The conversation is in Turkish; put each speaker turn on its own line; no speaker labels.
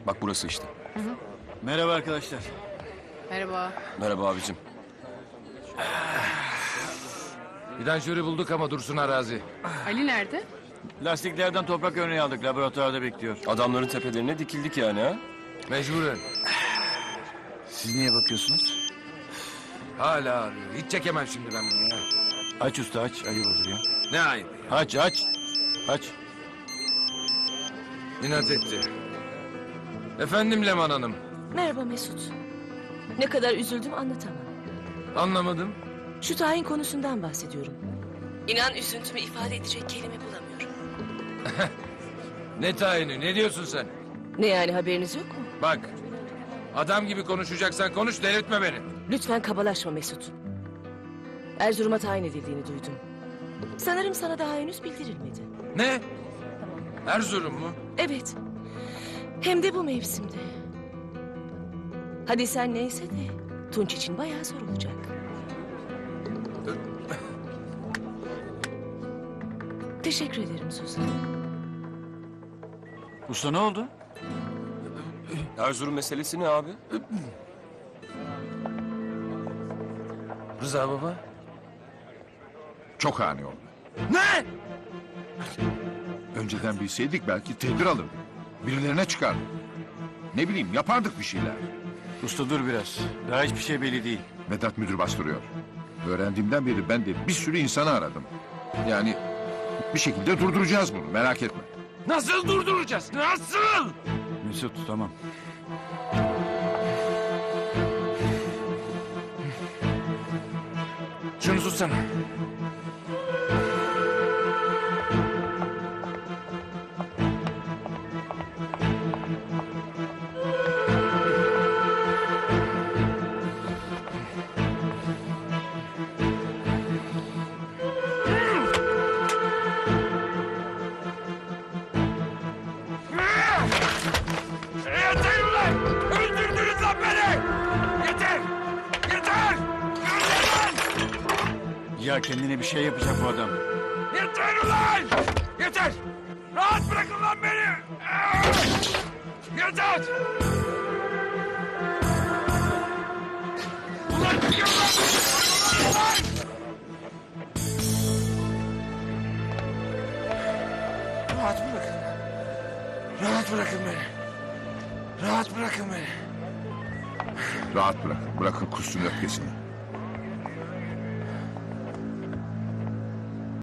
Bak burası işte.
Merhaba arkadaşlar.
Merhaba.
Merhaba abicim.
Vidanjörü bulduk ama Dursun arazi.
Ali nerede?
Lastiklerden toprak örneği aldık. Laboratuvarda bekliyor.
Adamların tepelerine dikildik yani ha.
Mecburen.
Siz niye bakıyorsunuz?
Hala arıyor. Hiç çekemem şimdi ben bunu ya.
Aç usta aç. Ayıp olur ya.
Ne ayıp ya.
Aç aç. Aç.
İnat etti. Efendim Leman Hanım.
Merhaba Mesut. Ne kadar üzüldüm anlatamam.
Anlamadım.
Şu tayin konusundan bahsediyorum. İnan üzüntümü ifade edecek kelime bulamıyorum.
Ne tayini? Ne diyorsun sen?
Ne yani haberiniz yok mu?
Bak. Adam gibi konuşacaksan konuş, delirtme beni.
Lütfen kabalaşma Mesut. Erzurum'a tayin edildiğini duydum. Sanırım sana daha henüz bildirilmedi.
Ne? Erzurum mu?
Evet. Hem de bu mevsimde. Hadi sen neyse de Tunç için bayağı zor olacak. Teşekkür ederim Suzan.
Usta ne oldu?
Erzurum meselesi ne abi?
Rıza baba.
Çok ani oldu.
Ne?
Önceden bilseydik belki tedbir alırdık. Birilerine çıkardık. Ne bileyim yapardık bir şeyler.
Usta dur biraz. Daha hiçbir şey belli değil.
Vedat müdür bastırıyor. Öğrendiğimden beri ben de bir sürü insanı aradım. Yani bir şekilde durduracağız bunu, merak etme.
Nasıl durduracağız? Nasıl?
Mesut tamam.
Şunu tutsana. Yeter ulan! Öldürdünüz lan beni! Yeter! Yeter!
Ya kendine bir şey yapacak bu adam.
Yeter ulan! Yeter! Rahat bırakın lan beni! Yeter! Ulan çıkın lan! Ulan! Rahat bırakın. Rahat bırakın beni. Rahat bırakın beni.
Rahat bırakın, bırakın kussun öfkesini.